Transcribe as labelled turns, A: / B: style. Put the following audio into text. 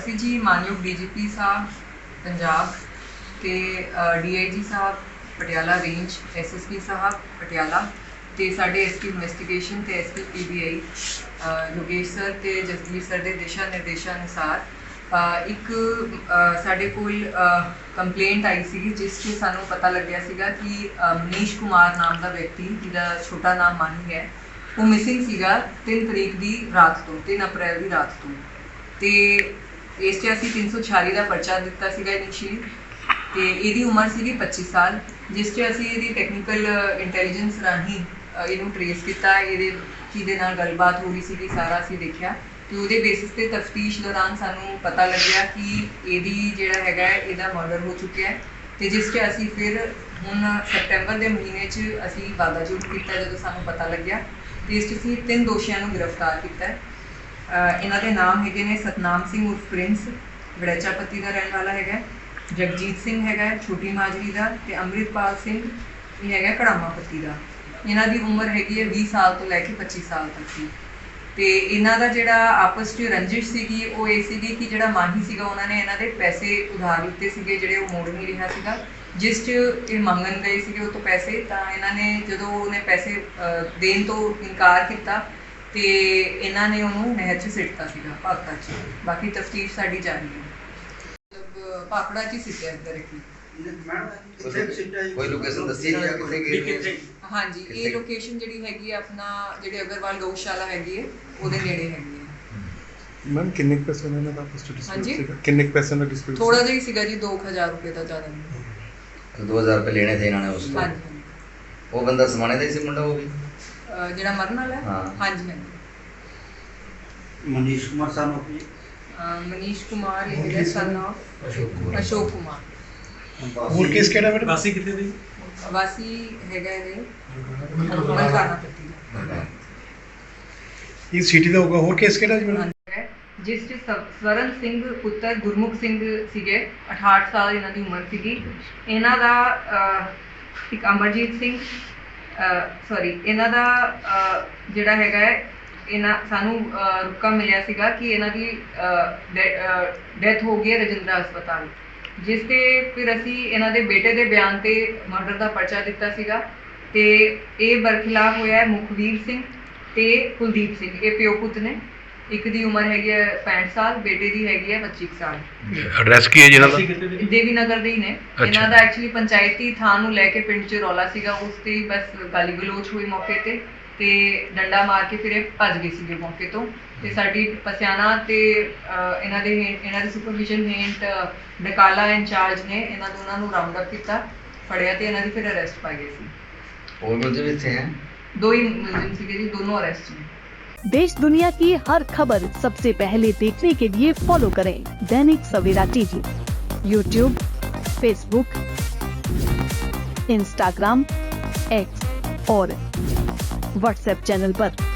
A: ਅਸੀਂ ਜੀ ਮਾਨਯੋਗ ਡੀਜੀਪੀ ਸਾਹਿਬ ਪੰਜਾਬ ਤੇ ਡੀਆਈਜੀ ਸਾਹਿਬ ਪਟਿਆਲਾ ਰੇਂਜ, ਐਸਐਸਪੀ ਸਾਹਿਬ ਪਟਿਆਲਾ ਤੇ ਸਾਡੇ ਐਸਪੀ ਇਨਵੈਸਟੀਗੇਸ਼ਨ ਤੇ ਐਸਪੀ ਪੀਬੀਆਈ ਯੋਗੇਸ਼ ਸਰ ਤੇ ਜਸਵੀਰ ਸਰ ਦੇ ਦਿਸ਼ਾ ਨਿਰਦੇਸ਼ਾਂ ਅਨੁਸਾਰ ਇੱਕ ਸਾਡੇ ਕੋਲ ਕੰਪਲੇਂਟ ਆਈ ਸੀਗੀ ਜਿਸ 'ਚ ਸਾਨੂੰ ਪਤਾ ਲੱਗਿਆ ਸੀਗਾ ਕਿ ਮਨੀਸ਼ ਕੁਮਾਰ ਨਾਮ ਦਾ ਵਿਅਕਤੀ, ਜਿਹਦਾ ਛੋਟਾ ਨਾਮ ਮਾਨੀ ਹੈ, ਉਹ ਮਿਸਿੰਗ ਸੀਗਾ 3 ਤਰੀਕ ਦੀ ਰਾਤ ਤੋਂ, 3 ਅਪ੍ਰੈਲ ਦੀ ਰਾਤ ਤੋਂ। ਤੇ ਇਸ 'ਚ ਅਸੀਂ 346 ਦਾ ਪਰਚਾ ਦਿੱਤਾ ਸੀਗਾ ਇਨੀਸ਼ੀਅਲੀ ਤੇ ਇਹਦੀ ਉਮਰ ਸੀਗੀ 25 ਸਾਲ, ਜਿਸ 'ਚ ਅਸੀਂ ਇਹਦੀ ਟੈਕਨੀਕਲ ਇੰਟੈਲੀਜੈਂਸ ਰਾਹੀਂ ਇਹਨੂੰ ਟਰੇਸ ਕੀਤਾ। ਇਹਦੇ ਕਿਹਦੇ ਨਾਲ ਗੱਲਬਾਤ ਹੋ ਰਹੀ ਸੀਗੀ ਸਾਰਾ ਅਸੀਂ ਦੇਖਿਆ ਤੇ ਉਹਦੇ ਬੇਸਿਸ ਤੇ ਤਫਤੀਸ਼ ਦੌਰਾਨ ਸਾਨੂੰ ਪਤਾ ਲੱਗਿਆ ਕਿ ਇਹਦੀ ਜਿਹੜਾ ਹੈਗਾ ਇਹਦਾ ਮਰਡਰ ਹੋ ਚੁੱਕਿਆ ਹੈ ਤੇ ਜਿਸ 'ਚ ਅਸੀਂ ਫਿਰ ਹੁਣ ਸੈਪਟੈਂਬਰ ਦੇ ਮਹੀਨੇ 'ਚ ਅਸੀਂ ਵਾਦਾ ਜੁਟ ਕੀਤਾ ਜਦੋਂ ਸਾਨੂੰ ਪਤਾ ਲੱਗਿਆ ਤੇ ਇਸ 'ਚ ਅਸੀਂ 3 ਦੋਸ਼ੀਆਂ ਨੂੰ ਗ੍ਰਿਫਤਾਰ ਕੀਤਾ ਹੈ। ਇਹਨਾਂ ਦੇ ਨਾਮ ਹੈਗੇ ਨੇ ਸਤਨਾਮ ਸਿੰਘ ਉਰਫ ਪ੍ਰਿੰਸ, ਵੜੈਚਾ ਪੱਤੀ ਦਾ ਰਹਿਣ ਵਾਲਾ ਹੈਗਾ, ਜਗਜੀਤ ਸਿੰਘ ਹੈਗਾ ਛੋਟੀ ਮਾਜਰੀ ਦਾ ਤੇ ਅੰਮ੍ਰਿਤਪਾਲ ਸਿੰਘ ਇਹ ਹੈਗਾ ਕੜਾਮਾ ਪੱਤੀ ਦਾ। ਇਹਨਾਂ ਦੀ ਉਮਰ ਹੈਗੀ ਹੈ 20 ਸਾਲ ਤੋਂ ਲੈ ਕੇ 25 ਸਾਲ ਤੱਕ ਦੀ। ਤੇ ਇਹਨਾਂ ਦਾ ਜਿਹੜਾ ਆਪਸ 'ਚ ਰੰਜਿਸ਼ ਸੀਗੀ ਉਹ ਇਹ ਸੀਗੀ ਕਿ ਜਿਹੜਾ ਮਾਹੀ ਸੀਗਾ ਉਹਨਾਂ ਨੇ ਇਹਨਾਂ ਦੇ ਪੈਸੇ ਉਧਾਰ ਲਿੱਤੇ ਸੀਗੇ ਜਿਹੜੇ ਉਹ ਮੋੜ ਨਹੀਂ ਰਿਹਾ ਸੀਗਾ, ਜਿਸ 'ਚ ਇਹ ਮੰਗਣ ਗਏ ਸੀਗੇ ਉਹ ਤੋਂ ਪੈਸੇ। ਤਾਂ ਇਹਨਾਂ ਨੇ ਜਦੋਂ ਉਹਨੇ ਪੈਸੇ ਦੇਣ ਤੋਂ ਇਨਕਾਰ ਕੀਤਾ ਤੇ ਇਹਨਾਂ ਨੇ ਉਹਨੂੰ ਨਹਿਰ 'ਚ ਸਿੱਟਤਾ ਸੀਗਾ, ਭਾਖੜਾ 'ਚ। ਬਾਕੀ ਤਫਤੀਸ਼ ਸਾਡੀ ਜਾਰੀ ਹੈ। ਮਤਲਬ ਭਾਖੜਾ 'ਚ ਹੀ ਸਿੱਟਿਆ ਡਾਇਰੈਕਟਲੀ।
B: ਕੋਈ ਲੋਕੇਸ਼ਨ ਦੱਸੀ ਜਾਂ ਕਿੱਥੇ ਗਏ?
A: ਹਾਂਜੀ, ਇਹ ਲੋਕੇਸ਼ਨ ਜਿਹੜੀ ਹੈਗੀ ਆਪਣਾ ਜਿਹੜੇ ਅਗਰਵਾਲ ਗਊਸ਼ਾਲਾ ਹੈਗੀ ਹੈ ਉਹਦੇ ਨੇੜੇ ਹੈਗੀ ਹੈ।
C: ਮੈਮ ਕਿੰਨੇ ਪੈਸੇ ਇਹਨਾਂ ਦਾ ਆਪਸ ਵਿੱਚ
A: ਹਾਂਜੀ?
C: ਸੀਗਾ? ਕਿੰਨੇ ਪੈਸੇ ਦਾ ਡਿਸਪਿਊਟ?
A: ਥੋੜਾ ਜਿਹਾ ਹੀ ਸੀਗਾ ਜੀ, 2000 ਰੁਪਏ ਦਾ, ਜ਼ਿਆਦਾ ਨਹੀਂ।
B: 2000 ਰੁਪਏ ਲੈਣੇ ਥੇ ਇਹਨਾਂ ਨੇ ਉਸ ਤੋਂ।
A: ਹਾਂਜੀ,
B: ਉਹ ਬੰਦਾ ਸਮਾਣੇ ਦਾ ਹੀ ਸੀ ਮੁੰਡਾ ਉਹ ਵੀ?
A: ਜਿਹੜਾ ਮਰਨ ਵਾਲਾ ਹੈ?
B: ਹਾਂ।
A: ਹਾਂਜੀ ਹਾਂਜੀ।
D: मनीष कुमार सन ऑफ
A: ਮਨੀਸ਼ ਕੁਮਾਰ ਇਹ ਹੈਗਾ ਸਨ ਆਫ ਅਸ਼ੋਕ ਕੁਮਾਰ।
C: ਹੋਰ ਕੇਸ ਕਿਹੜਾ ਮੈਡਮ?
D: वासी कितने थे?
A: ਵਾਸੀ ਹੈਗਾ ਇਹ ਮਲਕਾਨਾ ਪੱਤੀ ਦਾ।
C: ਇਹ ਸਿਟੀ ਦਾ ਹੋਊਗਾ। ਹੋਰ ਕੇਸ ਕਿਹੜਾ ਜੀ ਮੈਡਮ?
A: ਜਿਸ 'ਚ ਸਵਰਨ ਸਿੰਘ ਪੁੱਤਰ ਗੁਰਮੁਖ ਸਿੰਘ ਸੀਗੇ, 68 ਸਾਲ ਇਹਨਾਂ ਦੀ ਉਮਰ ਸੀਗੀ। ਇਹਨਾਂ ਦਾ ਇੱਕ ਅਮਰਜੀਤ ਸਿੰਘ ਇਹਨਾਂ ਦਾ ਜਿਹੜਾ ਹੈਗਾ ਹੈ, ਇਹਨਾਂ ਸਾਨੂੰ ਰੁਕਾ ਮਿਲਿਆ ਸੀਗਾ ਕਿ ਇਹਨਾਂ ਦੀ ਡੈਥ ਹੋ ਗਈ ਹੈ ਰਜਿੰਦਰਾ ਹਸਪਤਾਲ, ਜਿਸ ਤੇ ਫਿਰ ਅਸੀਂ ਇਹਨਾਂ ਦੇ ਬੇਟੇ ਦੇ ਬਿਆਨ ਤੇ ਮਰਡਰ ਦਾ ਪਰਚਾ ਦਿੱਤਾ ਸੀਗਾ ਤੇ ਇਹ ਬਰਖਿਲਾਫ ਹੋਇਆ ਹੈ ਮੁਖਵੀਰ ਸਿੰਘ ਤੇ ਕੁਲਦੀਪ ਸਿੰਘ। ਇਹ ਪਿਓ ਪੁੱਤ ਨੇ। ਇੱਕ ਦੀ ਉਮਰ ਹੈਗੀ ਹੈ 65 ਸਾਲ, ਬੇਟੇ ਦੀ ਹੈਗੀ ਹੈ 25 ਸਾਲ।
C: ਐਡਰੈਸ ਕੀ ਹੈ ਜੀ ਇਹਨਾਂ ਦਾ?
A: ਦੇਵੀ ਨਗਰ ਦੇ ਹੀ ਨੇ। ਇਹਨਾਂ ਦਾ ਐਕਚੁਅਲੀ ਪੰਚਾਇਤੀ ਥਾਂ ਨੂੰ ਲੈ ਕੇ ਪਿੰਡ 'ਚ ਰੌਲਾ ਸੀਗਾ, ਉਸ ਤੇ ਹੀ ਬਸ ਗਾਲੀ ਗਲੋਚ ਹੋਈ ਮੌਕੇ ਤੇ ਡੰਡਾ ਮਾਰ ਕੇ ਫਿਰ ਇਹ ਭੱਜ ਗਏ ਸੀਗੇ ਮੌਕੇ ਤੋਂ। ਤੇ ਸਾਡੀ ਪਸਿਆਣਾ ਤੇ ਇਹਨਾਂ ਦੇ ਸੁਪਰਵਿਜ਼ਨ ਹੇਠ ਡਕਾਲਾ ਇੰਚਾਰਜ ਨੇ ਇਹਨਾਂ ਦੋਨਾਂ ਨੂੰ ਰਾਉਂਡ ਅਪ ਕੀਤਾ, ਫੜਿਆ ਤੇ ਇਹਨਾਂ ਦੀ ਫਿਰ ਅਰੈਸਟ ਪਾ ਗਏ ਸੀ।
B: ਉਹ ਮੁੰਡੇ ਵੀ ਇੱਥੇ ਹੈ?
A: 2 ਹੀ ਮੁਲਜ਼ਮ ਸੀਗੇ ਜੀ, ਦੋਨੋਂ अरेस्ट हैं।
E: देश दुनिया की हर खबर सबसे पहले देखने के लिए फॉलो करें Dainik Savera TV, YouTube, Facebook, Instagram, X और व्हाट्सएप चैनल पर।